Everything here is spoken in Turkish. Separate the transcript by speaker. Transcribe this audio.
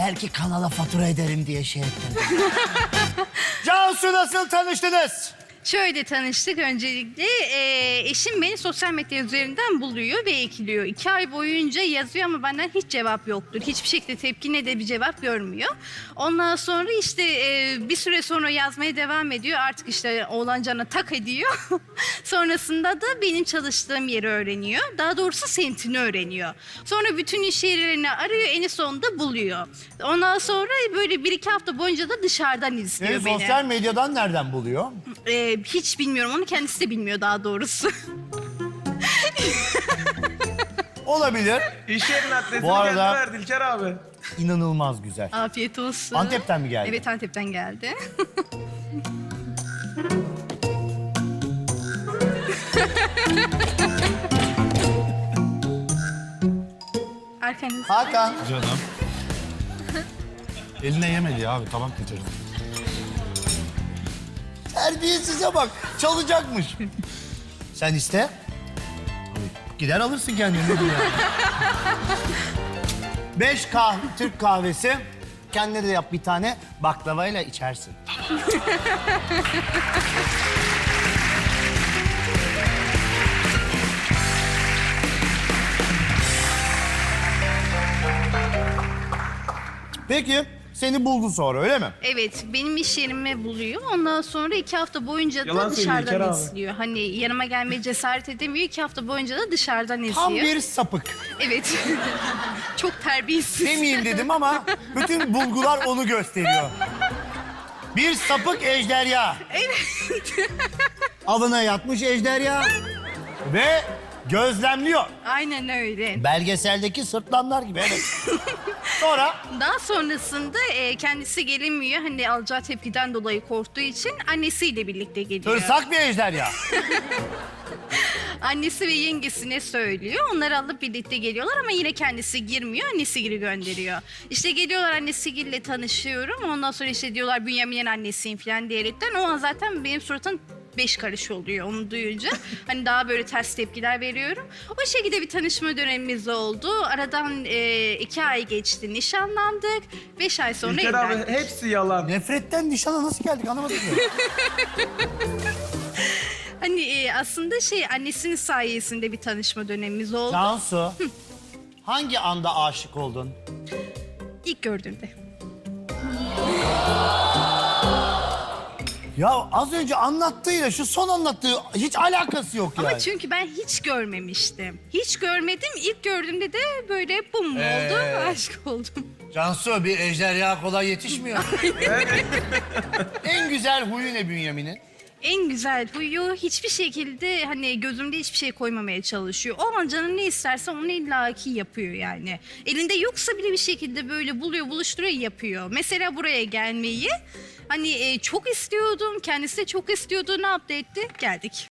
Speaker 1: belki kanala fatura ederim diye şey ettim. Cansu, nasıl tanıştınız?
Speaker 2: Şöyle tanıştık öncelikle. Eşim beni sosyal medya üzerinden buluyor ve ekliyor. 2 ay boyunca yazıyor ama benden hiç cevap yoktur. Hiçbir şekilde tepki ne de bir cevap görmüyor. Ondan sonra işte bir süre sonra yazmaya devam ediyor. Artık işte oğlan cana tak ediyor. Sonrasında da benim çalıştığım yeri öğreniyor. Daha doğrusu semtini öğreniyor. Sonra bütün iş yerlerini arıyor, en sonunda buluyor. Ondan sonra böyle 1-2 hafta boyunca da dışarıdan izliyor beni.
Speaker 1: Sosyal medyadan nereden buluyor?
Speaker 2: Hiç bilmiyorum, onu kendisi de bilmiyor daha doğrusu.
Speaker 1: Olabilir.
Speaker 3: İş yerinin adresini
Speaker 1: Bu arada-
Speaker 3: kendi verdi İlker abi.
Speaker 1: İnanılmaz güzel.
Speaker 2: Afiyet olsun.
Speaker 1: Antep'ten mi geldi?
Speaker 2: Evet, Antep'ten geldi. Arkanızda.
Speaker 1: Hakan.
Speaker 4: Canım. Eline yemedi ya abi, tabak getirdim.
Speaker 1: Terbiyesize bak. Çalacakmış. Sen iste. Gider alırsın kendini. Ne diyor yani? 5 Türk kahvesi. Kendine de yap bir tane. Baklavayla içersin. Peki, seni buldu sonra, öyle mi?
Speaker 2: Evet, benim iş yerimi buluyor. Ondan sonra 2 hafta boyunca da
Speaker 3: Yalan söylüyor İlker
Speaker 2: dışarıdan
Speaker 3: abi.
Speaker 2: izliyor. Hani yanıma gelmeye cesaret edemiyor. 2 hafta boyunca da dışarıdan izliyor.
Speaker 1: Tam bir sapık.
Speaker 2: Evet. Çok terbiyesiz.
Speaker 1: Demeyeyim dedim ama bütün bulgular onu gösteriyor. Bir sapık ejderha. Evet. Avına yatmış ejderha ve gözlemliyor.
Speaker 2: Aynen öyle.
Speaker 1: Belgeseldeki sırtlanlar gibi, evet. Sonra
Speaker 2: Daha sonrasında kendisi gelemiyor. Hani alacağı tepkiden dolayı korktuğu için annesiyle birlikte geliyor.
Speaker 1: tırsak bir ejderha.
Speaker 2: Annesi ve yengesine söylüyor. Onları alıp birlikte geliyorlar ama yine kendisi girmiyor. Annesi geri gönderiyor. İşte geliyorlar, annesiyle tanışıyorum. Ondan sonra işte diyorlar Bünyamin'in annesiyim falan diyerekten. O an zaten benim suratım 5 karış oluyor onu duyunca. Hani daha böyle ters tepkiler veriyorum. O şekilde bir tanışma dönemimiz oldu. Aradan 2 ay geçti, nişanlandık. 5 ay sonra
Speaker 3: İlker abi
Speaker 2: evlendik.
Speaker 3: hepsi yalan.
Speaker 1: Nefretten nişana nasıl geldik anlamadım ya.
Speaker 2: Hani aslında annesinin sayesinde bir tanışma dönemimiz oldu.
Speaker 1: Cansu, hangi anda aşık oldun?
Speaker 2: İlk gördüğümde.
Speaker 1: Ya az önce anlattığıyla şu son anlattığı hiç alakası yok yani.
Speaker 2: Ama çünkü ben hiç görmemiştim. Hiç görmedim. İlk gördüğümde de böyle bum oldu. Aşık oldum.
Speaker 1: Cansu, bir ejderha kolay yetişmiyor. En güzel huyu ne Bünyamin'in?
Speaker 2: En güzel huyu hiçbir şekilde hani gözümde hiçbir şey koymamaya çalışıyor. O an canı ne isterse onu illaki yapıyor yani. Elinde yoksa bile bir şekilde böyle buluyor, buluşturuyor, yapıyor. Mesela buraya gelmeyi hani çok istiyordum. Kendisi de çok istiyordu. Ne yaptı etti? Geldik.